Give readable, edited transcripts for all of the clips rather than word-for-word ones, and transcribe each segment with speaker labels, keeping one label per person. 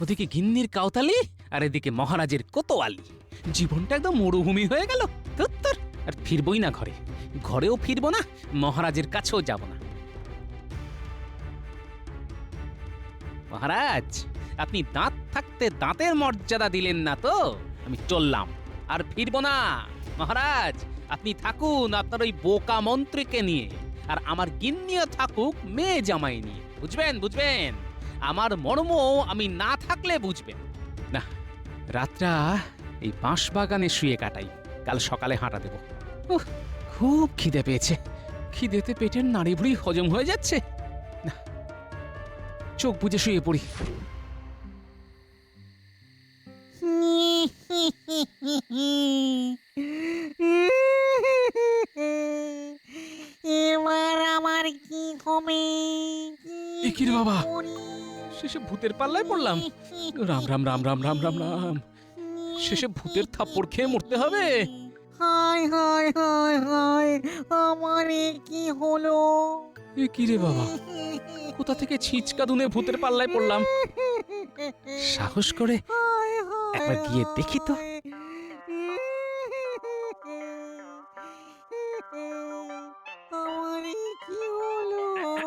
Speaker 1: ওদিকে গিন্নির কাউতালি আর এদিকে মহারাজের কোতোয়ালি। জীবনটা একদম মরুভূমি হয়ে গেল। ধুত্তর, আর ফিরবই না ঘরে, ঘরেও ফিরবো না, মহারাজের কাছেও যাব না। মহারাজ, আপনি দাঁত থাকতে দাঁতের মর্যাদা দিলেন না তো, আমি চললাম, আর ফিরবো না। মহারাজ, আপনি থাকুন আপনার ওই বোকা মন্ত্রীকে নিয়ে, আর আমার গিন্নিও থাকুক মেয়ে জামাই নিয়ে। বুঝবেন বুঝবেন, আমার মর্ম আমি না থাকলে বুঝবেন না। রাতটা এই বাঁশ বাগানে শুয়ে কাটাই, কাল সকালে হাঁটা দেব। উহ, খুব খিদে পেয়েছে, খিদেতে পেটের নাড়ি ভুড়ি হজম হয়ে যাচ্ছে না। চোখ বুজে শুয়ে পড়ি।
Speaker 2: এবার আমার কি হবে?
Speaker 1: এ কি রে বাবা, শেষে ভূতের পাল্লায় পড়লাম। রাম রাম রাম রাম রাম রাম রাম, শেষে ভূতের থাপ্পড় খেয়ে মরতে হবে।
Speaker 2: হায় হায় হায় হায়, আমার এ কি হলো?
Speaker 1: এ কি রে বাবা, কোথা থেকে ছিচকা দুনে ভূতের পাল্লায় পড়লাম? সাহস করে
Speaker 2: হায় হায়
Speaker 1: একবার গিয়ে দেখি তো।
Speaker 2: আমার এ কি হলো?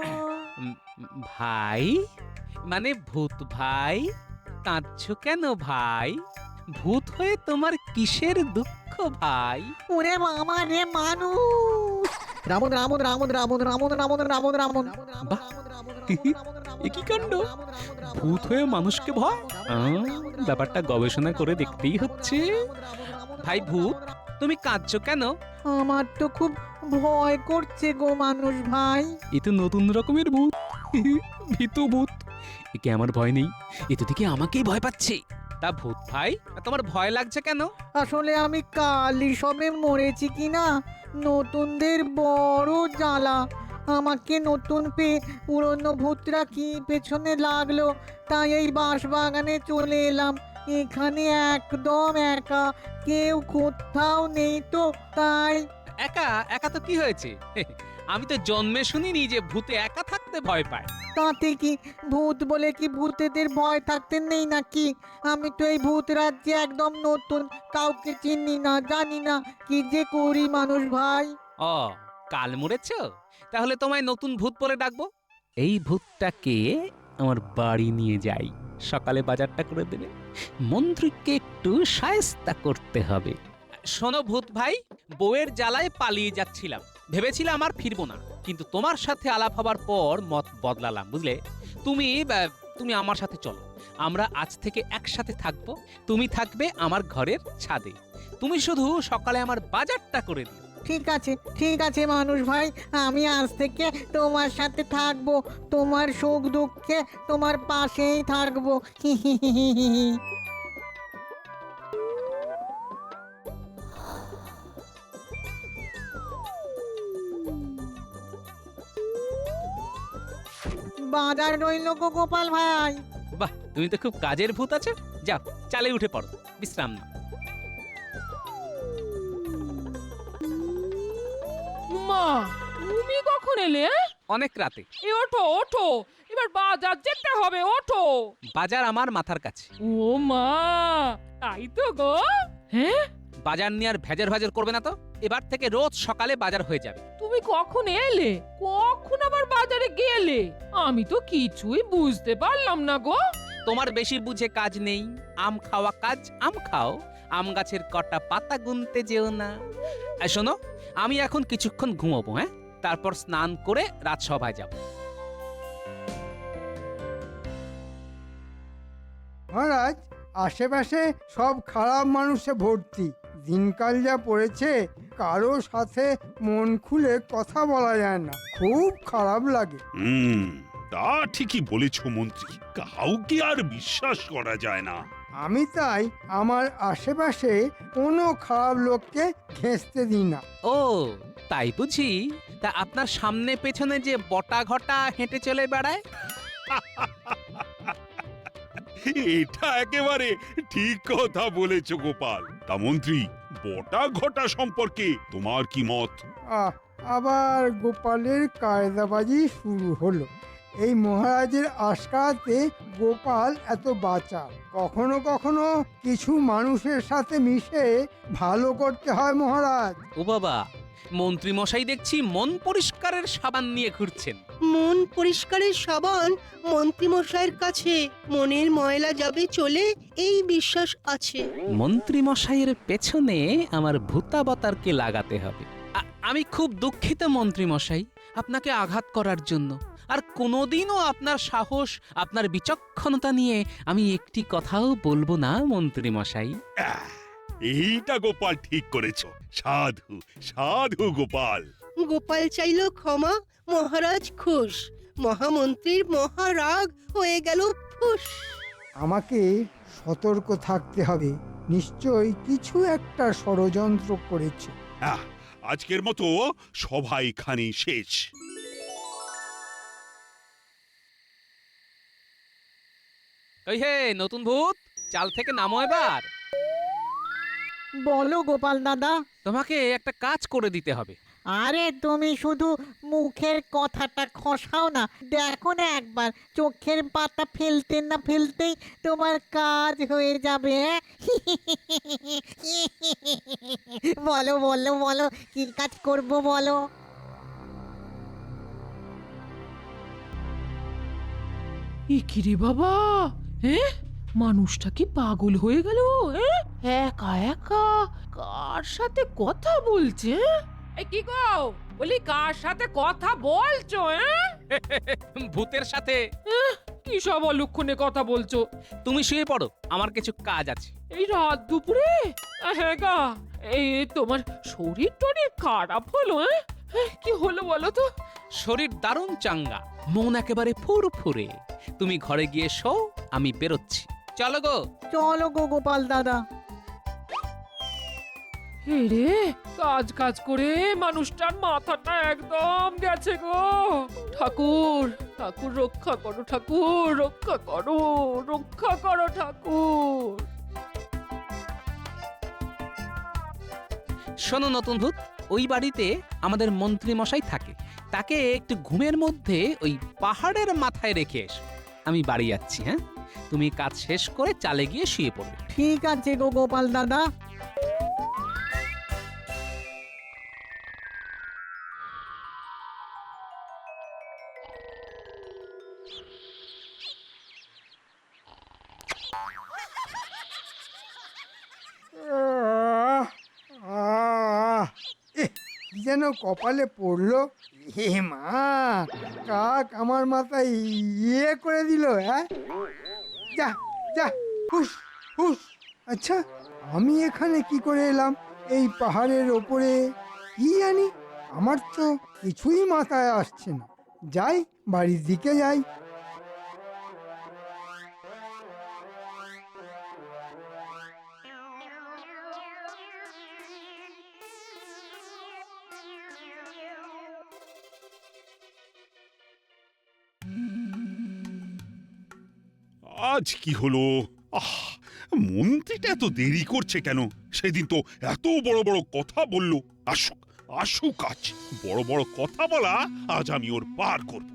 Speaker 1: ভাই, মানে ভূত ভাই, কাঁদছো কেন ভাই? ভূত হয়ে তোমার কিসের দুঃখ ভাই?
Speaker 2: ওরে বাবা রে, মানুষ! রামন রামন রামন রামন রামন রামন রামন রামন।
Speaker 1: বাহ, এ কি কাণ্ড! ভূত হয়ে মানুষকে ভয়? ব্যাপারটা গবেষণা করে দেখতেই হচ্ছে। ভাই ভূত, তুমি কাঁদছো কেন?
Speaker 2: আমার তো খুব ভয় করছে গো মানুষ ভাই।
Speaker 1: এ তো নতুন রকমের ভূত, ভীতু ভূত। একে আমার ভয় নেই, এ তো দিকে আমাকেই ভয় পাচ্ছে। তা ভূত ভাই, তোমার ভয় লাগছে কেন?
Speaker 2: আসলে আমি কালই সবে মরেছি কিনা, নতুনদের বড় জ্বালা। আমাকে নতুন পেয়ে পুরনো ভূতরা কি পেছনে লাগলো, তাই এই বাঁশবাগানে চলে এলাম। এখানে একদম একা, কেউ কোথাও নেই তো, তাই।
Speaker 1: একা একা তো কি হয়েছে? আমি তো জন্মে শুনিনি যে ভূতে একা থাকতে ভয় পায়।
Speaker 2: তাতে কি, ভূত বলে কি ভূতেদের ভয় থাকতে নেই নাকি? আমি তো এই ভূত রাজ্যে একদম নতুন, কাউকে চিনি না, জানি না, কি যে করি মানুষ ভাই।
Speaker 1: ও, কাল মরেছো? তাহলে তোমায় নতুন ভূত বলে ডাকবো। এই ভূতটাকে আমার বাড়ি নিয়ে যাই, সকালে বাজারটা করে দেবে। মন্ত্রীকে একটু শায়েস্তা করতে হবে। শোনো ভূত ভাই, বউয়ের জ্বালায় পালিয়ে যাচ্ছিলাম, ভেবেছিলাম আর ফিরবো না, কিন্তু তোমার সাথে আলাপ হবার পর মত বদলালাম, বুঝলে? তুমি আমার সাথে চলো, আমরা আজ থেকে একসাথে থাকবো। তুমি থাকবে আমার ঘরের ছাদে, তুমি শুধু সকালে আমার বাজারটা করে দিও।
Speaker 2: ঠিক আছে ঠিক আছে মানুষ ভাই, আমি আজ থেকে তোমার সাথে থাকবো, তোমার সুখ দুঃখে তোমার পাশেই থাকবো। বাজার রইল গো গোপাল ভাই।
Speaker 1: বাহ, তুমি তো খুব কাজের ভূত আছো। যাও, চালে উঠে পড়ো, বিশ্রাম নাও।
Speaker 3: মা, তুমি কখন এলে?
Speaker 1: অনেক রাতে।
Speaker 3: এ ওঠো ওঠো, এবার বাজার যেতে হবে, ওঠো।
Speaker 1: বাজার আমার মাথার কাছে।
Speaker 3: ও মা, তাই তো গো। হ্যাঁ,
Speaker 1: বাজার নিয়ে আর ভেজার ভাজার করবে না তো। এবার থেকে রোজ সকালে বাজার হয়ে যাবে।
Speaker 3: তুমি কখন এলে, কখন আবার বাজারে গেলে? আমি তো কিছুই বুঝতে পারলাম না গো।
Speaker 1: তোমার বেশি বুঝে কাজ নেই, আম খাওয়া কাজ, আম খাও, আম গাছের কটা পাতা গুনতে যেও না। আর শোনো, আমি এখন কিছুক্ষণ ঘুমাবো, হ্যাঁ? তারপর স্নান করে রাজসভায় যাব।
Speaker 4: মহারাজ, আশেপাশে সব খারাপ মানুষে ভর্তি। দিনকাল যা পড়েছে, কারো সাথে মন খুলে কথা বলা যায় না, খুব খারাপ লাগে।
Speaker 5: তা ঠিকই বলেছ মন্ত্রী, কাউকে আর বিশ্বাস করা যায় না।
Speaker 4: আমি তাই আমার আশেপাশে কোনো খারাপ লোককে ঘেঁষতে দিই না।
Speaker 1: ও, তাই বুঝি? তা আপনার সামনে পেছনে যে বটা ঘটা হেঁটে চলে বেড়ায়?
Speaker 5: এটা একেবারে ঠিক কথা বলেছ গোপাল। তা মন্ত্রী, বটা ঘটা সম্পর্কে তোমার কি মত?
Speaker 4: আবার গোপালের কায়দাবাজি শুরু হলো। এই মহারাজের আশকারাতে গোপাল এত বাঁচা। কখনো কখনো কিছু মানুষের সাথে মিশে ভালো করতে হয় মহারাজ।
Speaker 1: ও বাবা, মন্ত্রী মশাই দেখছি মন পরিষ্কারের সাবান নিয়ে ঘুরছেন।
Speaker 6: মন পরিষ্কারের সাবান মন্ত্রীমশাইয়ের কাছে মনের ময়লা যাবে চলে, এই বিশ্বাস আছে।
Speaker 1: মন্ত্রী মশাইয়ের পেছনে আমার ভূতাবতারকে লাগাতে হবে। আমি খুব দুঃখিত মন্ত্রী মশাই, আপনাকে আঘাত করার জন্য। আর কোনোদিনও আপনার সাহস, আপনার বিচক্ষণতা নিয়ে আমি একটি কথাও বলবো না মন্ত্রী মশাই।
Speaker 5: আহ, এইটা গোপাল ঠিক করেছো। সাধু সাধু গোপাল।
Speaker 6: গোপাল চাইল ক্ষমা, মহারাজ খুশ। মহামন্ত্রীর মহারাগ হয়ে গেল ফুস।
Speaker 4: আমাকে সতর্ক থাকতে হবে, নিশ্চয়ই কিছু একটা ষড়যন্ত্র করেছে।
Speaker 5: আজকের মতো সভা এখানেই শেষ।
Speaker 1: ওই হে নতুন ভূত, চাল থেকে নামো এবার।
Speaker 2: বলো গোপাল দাদা।
Speaker 1: তোমাকে একটা কাজ করে দিতে হবে।
Speaker 2: আরে তুমি শুধু মুখের কথাটা খসাও না, দেখো না একবার চোখের পাতা ফেলতে না ফেলতেই তোমার কাজ হয়ে যাবে। বলো বলো বলো, কি কাজ করব বলো।
Speaker 3: এ কি রে বাবা, হ্যাঁ মানুষটা কি পাগল হয়ে গেল? একা একা কার সাথে কথা বলছে? এই কি গো, বলি কার সাথে কথা বলছো?
Speaker 1: ভূতের সাথে।
Speaker 3: কি সব অলক্ষণে কথা বলছো?
Speaker 1: তুমি শুয়ে পড়ো, আমার কিছু কাজ আছে।
Speaker 3: এই রাত দুপুরে? হ্যাঁ গা, এই তোমার শরীর টরীর খারাপ হলো? কি হলো বলো তো?
Speaker 1: শরীর দারুণ চাঙ্গা, মন একেবারে ফুরফুরে। তুমি ঘরে গিয়ে শো, আমি বেরোচ্ছি। চলো গো।
Speaker 2: চলো গো গোপাল দাদা।
Speaker 3: রে কাজ কাজ করে মানুষটার মাথাটা একদম গেছে গো। ঠাকুর ঠাকুর রক্ষা করো, ঠাকুর রক্ষা করো, রক্ষা করো ঠাকুর।
Speaker 1: শোনো নতুন ভূত, ওই বাড়িতে আমাদের মন্ত্রী মশাই থাকে। তাকে একটু ঘুমের মধ্যে ওই পাহাড়ের মাথায় রেখে এসো। আমি বাড়ি যাচ্ছি। হ্যাঁ, তুমি কাজ শেষ করে চালে গিয়ে শুয়ে পড়বে।
Speaker 2: ঠিক আছে গো গোপাল দাদা।
Speaker 4: কি যেন কপালে পড়লো। হে মা, কাক আমার মাথায় ইয়ে করে দিল। হ্যাঁ, যা যা, হুস হুস। আচ্ছা, আমি এখানে কি করে এলাম এই পাহাড়ের ওপরে? কি জানি, আমার তো কিছুই মাথায় আসছে না। যাই, বাড়ির দিকে যাই।
Speaker 5: আজ কি হলো? মন্ত্রীটা এত দেরি করছে কেন? সেদিন তো এত বড় বড় কথা বললো। আসুক আসুক, আজ বড় বড় কথা বলা আজ আমি ওর পার করব।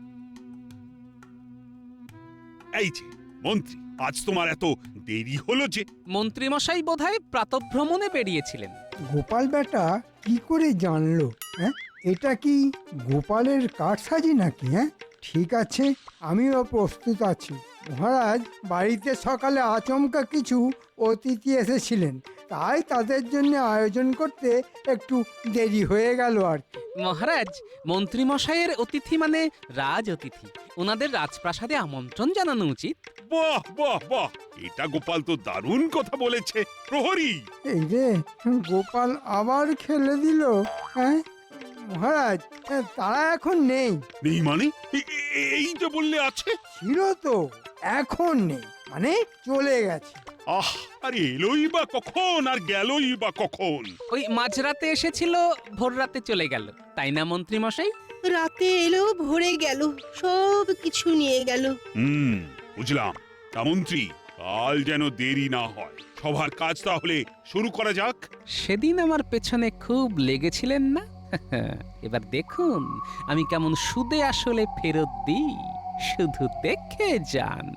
Speaker 5: এই যে মন্ত্রী, আজ তোমার এত দেরি হলো যে?
Speaker 1: মন্ত্রী মশাই বোধহয় প্রাতঃভ্রমণে বেরিয়েছিলেন।
Speaker 4: গোপাল বেটা কি করে জানলো? হ্যাঁ, এটা কি গোপালের কারসাজি নাকি? হ্যাঁ, ঠিক আছে, আমিও প্রস্তুত আছি। মহারাজ বাড়িতে সকালে আচমকা কিছু অতিথি এসেছিলেন, তাই তাদের জন্য আয়োজন করতে একটু দেরি হয়ে গেল আর কি।
Speaker 1: মহারাজ, মন্ত্রী মশাইয়ের অতিথি মানে রাজ অতিথি। ওনাদের রাজপ্রাসাদে আমন্ত্রণ জানানো উচিত।
Speaker 5: বাহ বাহ বাহ, এটা গোপাল তো দারুণ কথা বলেছে। প্রহরী!
Speaker 4: এই রে, গোপাল আবার খেলে দিল। হ্যাঁ মহারাজ, তারা এখন নেই।
Speaker 5: নেই মানে? এই যে বললে আছে।
Speaker 4: ছিল তো, এখন নেই, মানে চলে গেছে।
Speaker 5: আহ, আরে এলোই বা কখন আর গেলই বা কখন?
Speaker 1: ওই মাঝরাতে এসেছিল, ভোর রাতে চলে গেল, তাই না মন্ত্রী মশাই?
Speaker 6: রাতে এলো, ভরে গেল, সব কিছু নিয়ে গেল।
Speaker 5: বুঝলাম। তা মন্ত্রী, কাল যেন দেরি না হয়। সবার কাজ তাহলে শুরু করা যাক।
Speaker 1: সেদিন আমার পেছনে খুব লেগেছিলেন না? এবার দেখুন আমি কেমন সুদে আসলে ফেরত দিই। শুধু দেখে যান।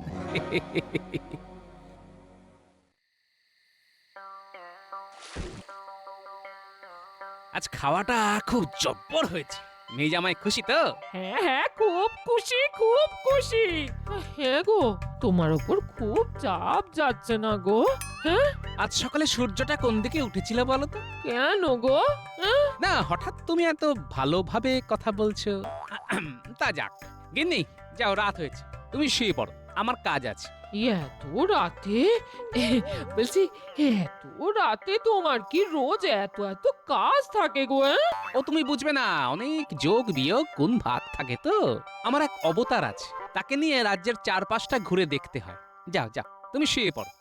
Speaker 1: আজ খাওয়াটা খুব জব্বর হয়েছে। মেয়ে জামাই খুশি তো?
Speaker 3: হ্যাঁ হ্যাঁ, খুব খুশি, খুব খুশি। হ্যাঁ গো, তোমার ওপর খুব চাপ যাচ্ছে না গো? হ্যাঁ,
Speaker 1: আজ সকালে সূর্যটা কোন দিকে উঠেছিল বলো তো?
Speaker 3: কেন গো? হ্যাঁ?
Speaker 1: না, হঠাৎ তুমি এত ভালোভাবে কথা বলছো। তা যাক, গিন্নি যাও, রাত হয়েছে, তুমি শুয়ে পড়ো, আমার কাজ আছে।
Speaker 3: এত রাতে? বলছি, এত রাতে তোমার কি রোজ এত এত কাজ থাকে গো? হ্যাঁ?
Speaker 1: ও তুমি বুঝবে না, অনেক যোগ বিয়োগ গুণ ভাগ থাকে তো। আমার এক অবতার আছে, তাকে নিয়ে রাজ্যের চারপাশটা ঘুরে দেখতে হয়। যাও যাও, তুমি শুয়ে পড়ো।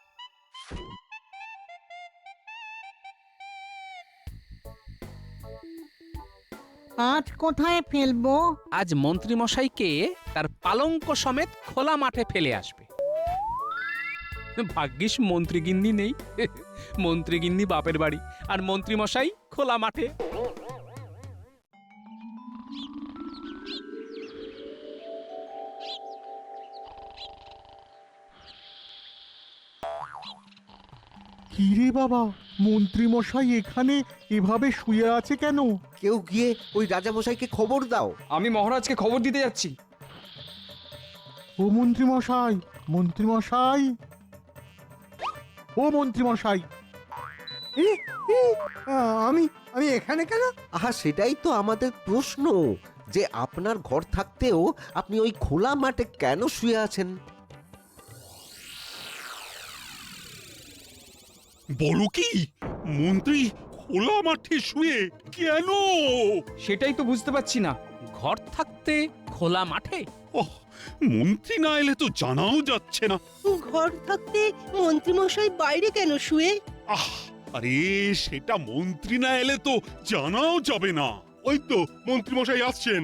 Speaker 2: আজ কোথায় ফেলবো?
Speaker 1: আজ মন্ত্রী মশাইকে তার পালঙ্ক সমেত খোলা মাঠে ফেলে আসবে। ভাগ্যিস মন্ত্রীগিন্নি নেই। মন্ত্রীগিন্নি বাপের বাড়ি, আর মন্ত্রী মশাই খোলা মাঠে।
Speaker 7: কিরে বাবা, মন্ত্রী মশাই এখানে এভাবে শুয়ে আছে কেন?
Speaker 8: কেউ গিয়ে ওই রাজামশাইকে খবর দাও।
Speaker 9: আমি মহারাজকে খবর দিতে যাচ্ছি।
Speaker 7: ও মন্ত্রী মশাই, মন্ত্রী মশাই, ও মন্ত্রী মশাই।
Speaker 4: এ, এ, আমি আমি এখানে কেন?
Speaker 8: আহা, সেটাই তো আমাদের প্রশ্ন, যে আপনার ঘর থাকতেও আপনি ওই খোলা মাঠে কেন শুয়ে আছেন?
Speaker 5: বলো কি, মন্ত্রী খোলা মাঠে শুয়ে কেন?
Speaker 9: সেটাই তো বুঝতে পারছি না।
Speaker 1: ঘর থাকতে খোলা মাঠে?
Speaker 5: ওহ, মন্ত্রী না এলে তো জানাও যাচ্ছে না।
Speaker 6: ঘর থাকতে মন্ত্রীমশাই বাইরে কেন শুয়ে?
Speaker 5: আহ, আরে সেটা মন্ত্রী না এলে তো জানাও যাবে না।
Speaker 10: ওই তো মন্ত্রী মশাই আসছেন।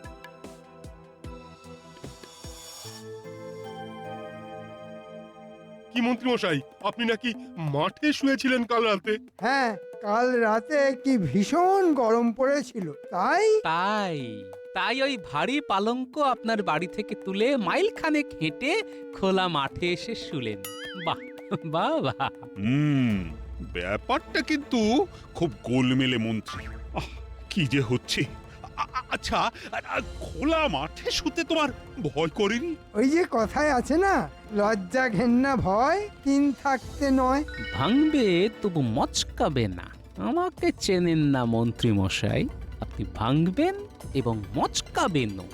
Speaker 10: কি মন্ত্রী মশাই, আপনি নাকি মাঠে শুয়েছিলেন কাল রাতে?
Speaker 4: হ্যাঁ, কাল রাতে কি ভীষণ গরম পড়েছিল, তাই
Speaker 1: তাই তাই ওই ভারী পালঙ্ক আপনার বাড়ি থেকে তুলে মাইল খানেক হেঁটে খোলা মাঠে এসে শুলেন। বাহ বাহ বাহ।
Speaker 5: ব্যাপারটা কিন্তু খুব গোলমেলে মন্ত্রী। আহ, কি যে হচ্ছে। আচ্ছা, খোলা মাঠে শুতে তোমার ভয় করেনি?
Speaker 4: ওই যে কথায় আছে না, লজ্জা ঘেন্না ভয় তিন থাকতে নয়।
Speaker 1: ভাঙবে তবু মচকাবে না। আমাকে চেনেন না মন্ত্রী মশাই, আপনি ভাঙবেন এবং মচকাবেনও।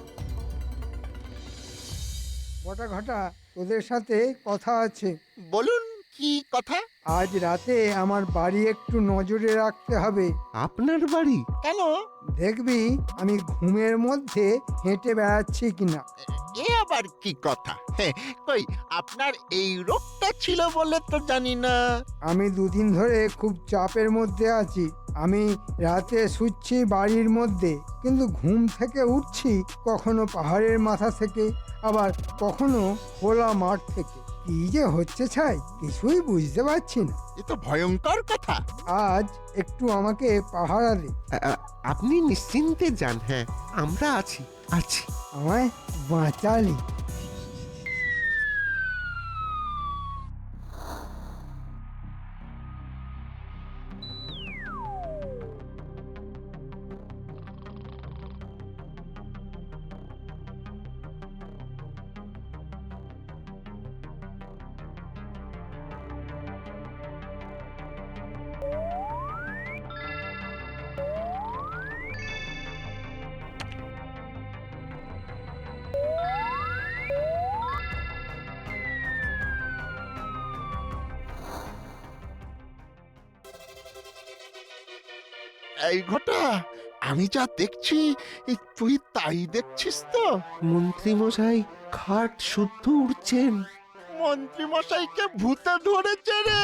Speaker 4: বটা ঘটা, তোদের সাথে কথা আছে।
Speaker 8: বলুন, কি কথা?
Speaker 4: আজ রাতে আমার বাড়ি একটু নজরে রাখতে হবে।
Speaker 8: আপনার বাড়ি? কেন?
Speaker 4: দেখবি আমি ঘুমের মধ্যে হেঁটে বেড়াচ্ছি কিনা।
Speaker 11: এ আবার কি কথা? কই, আপনার এই রোগটা ছিল বলে তো জানি না।
Speaker 4: আমি দুদিন ধরে খুব চাপের মধ্যে আছি। আমি রাতে শুচ্ছি বাড়ির মধ্যে, কিন্তু ঘুম থেকে উঠছি কখনো পাহাড়ের মাথা থেকে, আবার কখনো খোলা মাঠ থেকে। কি যে হচ্ছে ছাই, কিছুই বুঝতে পারছি না।
Speaker 11: এ তো ভয়ঙ্কর কথা।
Speaker 4: আজ একটু আমাকে পাহারা দে।
Speaker 8: আপনি নিশ্চিন্তে যান, হ্যাঁ আমরা আছি আছি।
Speaker 4: আমায় বাঁচালি।
Speaker 11: এই ঘটা, আমি যা দেখছি তুই তাই দেখছিস তো?
Speaker 8: মন্ত্রী মশাই খাট শুদ্ধ উঠছেন।
Speaker 11: মন্ত্রী মশাইকে ভূতে ধরেছে রে।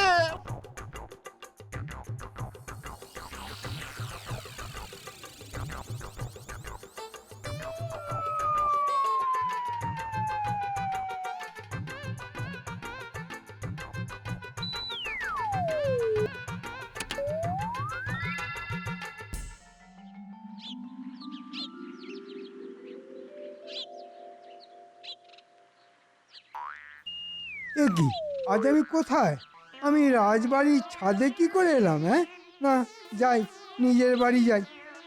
Speaker 4: এ কি, আজ আমি কোথায়? আমি রাজবাড়ির ছাদে কি করে এলাম? হ্যাঁ, না, যাই, নিজের বাড়ি যাই।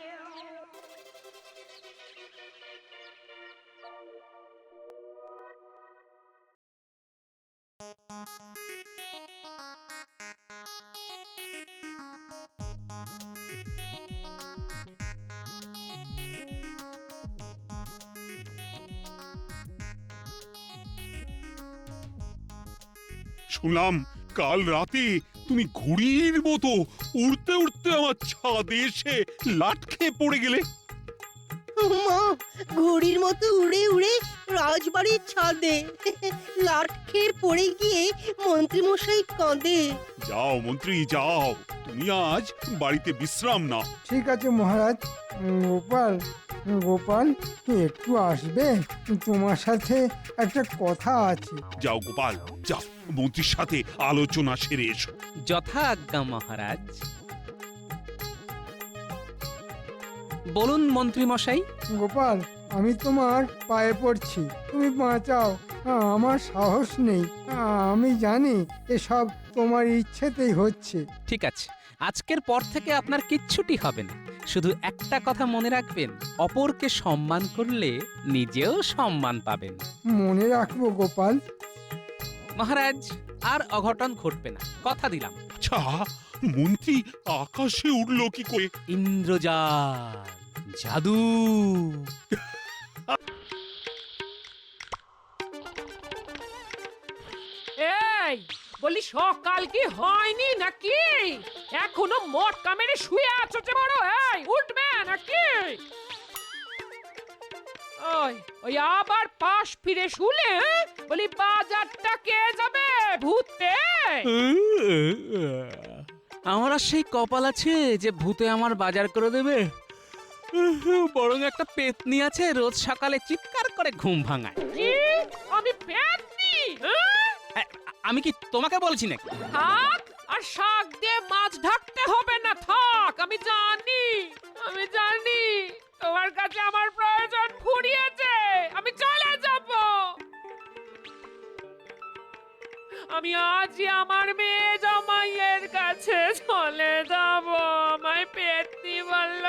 Speaker 5: শুনলাম কাল রাতে তুমি ঘুড়ির মতো উড়তে উড়তে আমার ছাদে এসে লাট খেয়ে পড়ে গেলে।
Speaker 6: মা, ঘড়ির মতো উড়ে উড়ে রাজবাড়ির ছাদে লাট খেয়ে পড়ে গিয়ে মন্ত্রীমশাই কাঁদে।
Speaker 5: যাও মন্ত্রী যাও, তুমি আজ বাড়িতে বিশ্রাম নাও।
Speaker 4: ঠিক আছে মহারাজ। গোপাল, গোপাল একটু আসবে? তোমার সাথে একটা কথা আছে।
Speaker 5: যাও গোপাল যাও, মন্ত্রীর সাথে আলোচনা সেরে এসো।
Speaker 1: যথা আজ্ঞা মহারাজ। বলুন মন্ত্রী মশাই।
Speaker 4: গোপাল, আমি তোমার পায়ে পড়ছি, তুমি বাঁচাও। আমার সাহস নেই। আমি জানি এসব তোমার ইচ্ছেতেই হচ্ছে।
Speaker 1: ঠিক আছে, আজকের পর থেকে আপনার কিচ্ছুটি হবে না। শুধু একটা কথা মনে রাখবেন, অপরকে সম্মান করলে নিজেও সম্মান পাবেন।
Speaker 4: মনে রাখবো গোপাল।
Speaker 1: মহারাজ, আর অঘটন ঘটবে না, কথা দিলাম।
Speaker 5: আচ্ছা, মন্ত্রী আকাশে উঠলো কি করে?
Speaker 1: ইন্দ্রজাল, জাদু।
Speaker 3: এই বলি, সকাল কি হয়নি নাকি? এখনো মটকা মেরে শুয়ে আছো যে বড়? এই উঠবে নাকি? ওই ওই আবার পাশ ফিরে শুলে, হ্যাঁ? বলি বাজারটা কে যাবে ভূতে?
Speaker 1: আমার আর সেই কপাল আছে যে ভূতে আমার বাজার করে দেবে? বরং একটা পেতনি আছে, রোজ সকালে চিৎকার করে ঘুম ভাঙায়।
Speaker 3: কি? আমি পেতনি?
Speaker 1: আমি কি তোমাকে বলছি নাকি?
Speaker 3: থাক, আর শাক দিয়ে মাছ ঢাকতে হবে না, থাক। আমি জানি তোমার কাছে আমার প্রয়োজন ফুরিয়েছে। আমি চলে যাব। আমি আজই আমার মেয়ে জামাইয়ের কাছে চলে যাব। আমায় পেতনি বলল।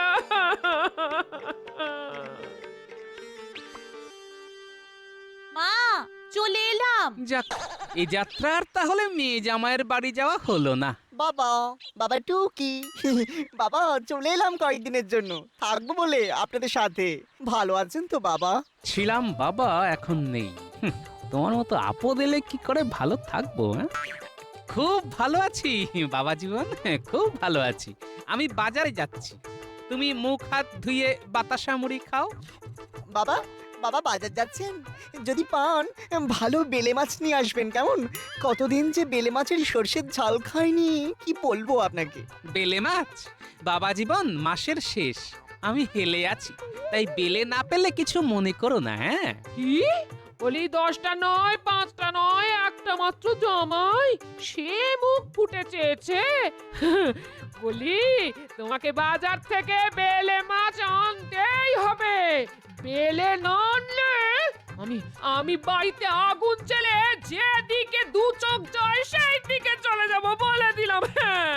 Speaker 12: মা, চলে এলাম।
Speaker 1: যাক, এই যাত্রার তাহলে মেয়ে জামাইয়ের বাড়ি যাওয়া হলো না।
Speaker 13: বাবা, বাবা টুকি, বাবা চলে এলাম কয়েকদিনের জন্য, থাকবো বলে আপনাদের সাথে। ভালো আছেন তো বাবা?
Speaker 1: ছিলাম বাবা, এখন নেই। তোমার মতো আপদ এলে কি করে ভালো থাকবো? খুব ভালো আছি বাবা জীবন, খুব ভালো আছি। আমি বাজারে যাচ্ছি, তুমি মুখ হাত ধুয়ে বাতাসা মুড়ি খাও।
Speaker 13: বাবা, বাবা বাজার যাচ্ছেন? যদি পান ভালো বেলে মাছ নিয়ে আসবেন, কেমন? কতদিন যে বেলে মাছের সর্ষের ঝাল খাইনি, কি বলবো আপনাকে।
Speaker 1: বেলে মাছ? বাবা জীবন, মাসের শেষ, আমি হেলে আছি, তাই বেলে না পেলে কিছু মনে করো না। হ্যাঁ,
Speaker 3: কি বলি, 10টা নয়, 5টা নয়, একটা মাত্র জামাই, সে মুখ ফুটে চেয়েছে। বলি, তোমাকে বাজার থেকে বেলে মাছ আনতেই হবে। বেলে না আনলে আমি বাড়িতে আগুন জ্বেলে যেদিকে দু চোখ যায় সেই দিকে চলে যাব, বলে দিলাম। হ্যাঁ,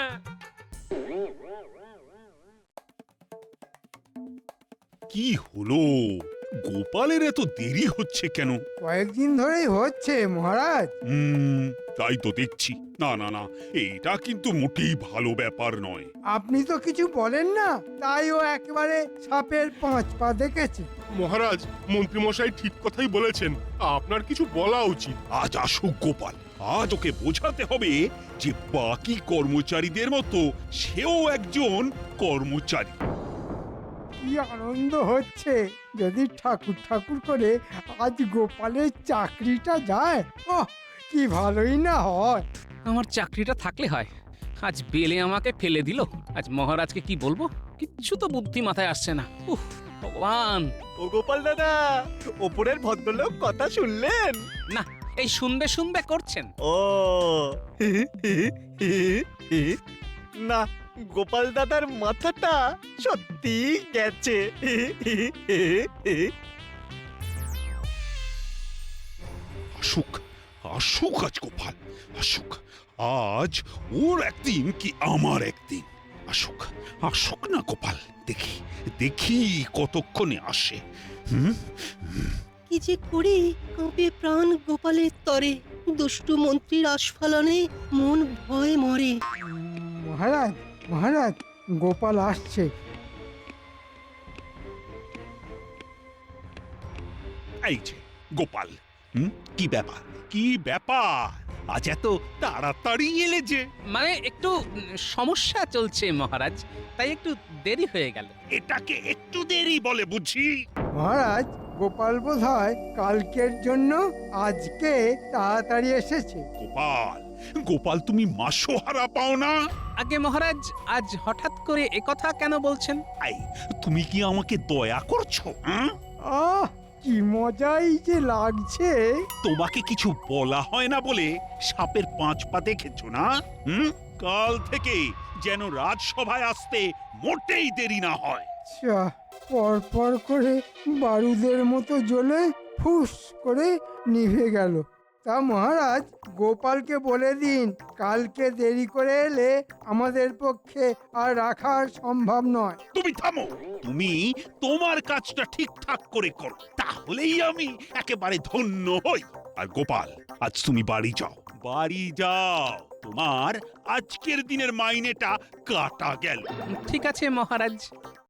Speaker 5: কি হলো? গোপালের এত দেরি হচ্ছে কেন?
Speaker 4: কয়েকদিন ধরেই হচ্ছে মহারাজ।
Speaker 5: তাই তো দেখছি। না না না, এটা কিন্তু মোটেই ভালো ব্যাপার নয়।
Speaker 4: আপনি তো কিছু বলেন না, তাই ও একেবারে সাপের 5 পা দেখেছে।
Speaker 10: মহারাজ, মন্ত্রীমশাই ঠিক কথাই বলেছেন, আপনার কিছু বলা উচিত।
Speaker 5: আজ আসুক গোপাল, আজ ওকে বোঝাতে হবে যে বাকি কর্মচারীদের মতো সেও একজন কর্মচারী।
Speaker 4: কি আনন্দ হচ্ছে! যদি ঠাকুর ঠাকুর করে আজ গোপালের চাকরিটা যায়, ওহ কি ভালোই না হয়।
Speaker 1: আমার চাকরিটা থাকলে হয়। আজ বেলে আমাকে ফেলে দিল, আজ মহারাজকে কি বলবো? কিচ্ছু তো বুদ্ধি মাথায় আসছে না। উফ ভগবান!
Speaker 13: ও গোপাল দাদা, ওপরের ভদ্রলোক কথা শুনলেন?
Speaker 1: না, এই শুনবে শুনবে করছেন।
Speaker 13: ও না, গোপাল দাদার মাথাটা সত্যি গেছে।
Speaker 5: আসুক, আসুক আজ গোপাল, আসুক। আজ ওর একদিন কি আমার একদিন। আসুক, আসুক না গোপাল, দেখি দেখি কতক্ষণে আসে।
Speaker 6: কি যে করি, কাঁপে প্রাণ গোপালের তরে, দুষ্টু মন্ত্রীর আস্ফালনে মন ভয়ে মরে।
Speaker 4: মহারাজ, মহারাজ, গোপাল আসছে।
Speaker 5: এই যে গোপাল, কি ব্যাপার, কি ব্যাপার? আজ এত তাড়াতাড়ি এলে যে?
Speaker 1: মানে একটু সমস্যা চলছে মহারাজ, তাই একটু দেরি হয়ে গেল।
Speaker 5: এটাকে একটু দেরি বলে বুঝি?
Speaker 4: মহারাজ, গোপাল বোধহয় কালকের জন্য আজকে তাড়াতাড়ি এসেছে।
Speaker 5: গোপাল, গোপাল তুমি মাসোহারা পাও না?
Speaker 1: আগে মহারাজ, আজ হঠাৎ করে একথা কেন বলছেন?
Speaker 5: এই, তুমি কি আমাকে দয়া করছো?
Speaker 4: আহ, কি মজাই যে লাগছে।
Speaker 5: তোমাকে কিছু বলা হয় না বলে সাপের 5 পা দেখেছো না? কাল থেকে যেন রাজসভায় আসতে মোটেই দেরি না হয়।
Speaker 4: পর পর করে বারুদের মতো জ্বলে ফুস করে নিভে গেল। তা মহারাজ, গোপালকে বলে দিন কালকে দেরি করে এলে আমাদের পক্ষে আর রাখা সম্ভব নয়।
Speaker 5: তুমি থামো, তুমি তোমার কাজটা ঠিকঠাক করে করো, তাহলেই আমি একেবারে ধন্য হই। আর গোপাল, আজ তুমি বাড়ি যাও, বাড়ি যাও। তোমার আজকের দিনের মাইনেটা কাটা গেল।
Speaker 1: ঠিক আছে মহারাজ।